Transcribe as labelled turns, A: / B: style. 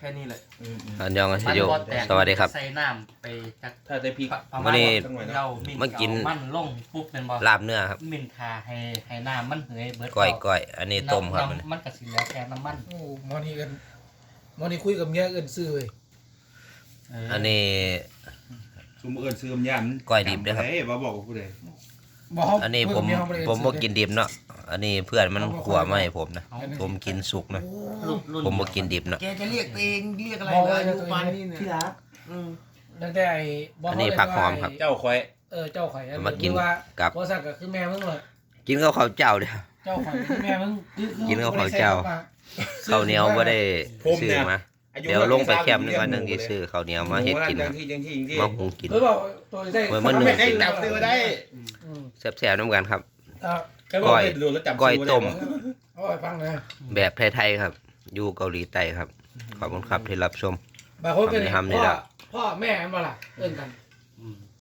A: ค่นี้แหละ
B: อันยองอาชิโยสวัสดีครับ
A: ใส่น้ำไปจัก
C: ถ้าได้พริก
B: วันนี้
A: เรามิ
B: มากิน
A: มันลงปุ๊บเป็นบ่
B: ลาบเนื้อครับ
A: มินทาให้น้ำมันเหยเบิด
B: ก้อยอันนี้ต้มครับ
A: มันก็สิแล้วแค่น้ำมัน
D: โอ้มอนี่คุยกับเมียเอิ้นซื้อเว้ย
B: อันนี้
C: ซุมเอิญซื้อมยัน
B: ก้อยดิบด้วยครับ
C: ว่าบอกกับผู้ใด
D: บ่เฮา
B: อันนี้
D: คุย
B: ผ
D: กั
B: ม
D: เยเฮาบ่ได้
B: ผม
D: ซื้
B: บ่
D: อ
B: กินดิบเนาะอันนี้เพื่อนมันขัวมาให้ผมนะผมกินสุกนะ
A: รุ่น
B: ผมบ่กินดิบเนาะ
E: แกจะเรียกตัวเองเรียกอะไร
D: บอก
E: เล
D: ไว้
E: ย
D: นะ
E: อายุ
D: ตัวเอง
E: มันนี่เนี่ย
A: ที่รัก
D: ตั้งแต่ไอ้บ่
B: อันนี้ผักหอมครับ
C: เจ้าคอย
D: เจ้าข่อยอั
B: มากิน
D: คือว่า
B: กับ
D: บ่ซักก็คือแม่มึงเลย
B: กินข้าวขาวเจ้าเด้อ
D: เจ้าข่อยคือแม่มึงคือ
B: กินกับข้าวเจ้า ข้าวเหนียวบ่ได้ซื้อมาเดี๋ยวลงไปแคมป์นึงวันหนึงสิซื้อข้าวเหนียวมาเฮ็ดกิน
C: ยั
B: นะ
C: งที่
B: มาหุงกิน
D: หรือเปล่าตัวได้
B: เหมือนมันหนึ่ง
C: ไม่ได้จับซื้อได้
D: อืม
B: แซ่บๆน้ำกันครับ
C: แค่บอกให้ดูแล้วจับ
B: ก้อยต้ม
D: เอาไปฟังเลย
B: แบบไทยๆครับ อยู่เกาหลีใต้ครับ ขอบคุณครับที่รับชม
D: บางคนก็
B: ทำนี่
D: พ่อ
B: ละ
D: พ่อแม่มันบ่ล่ะเอิ้นกัน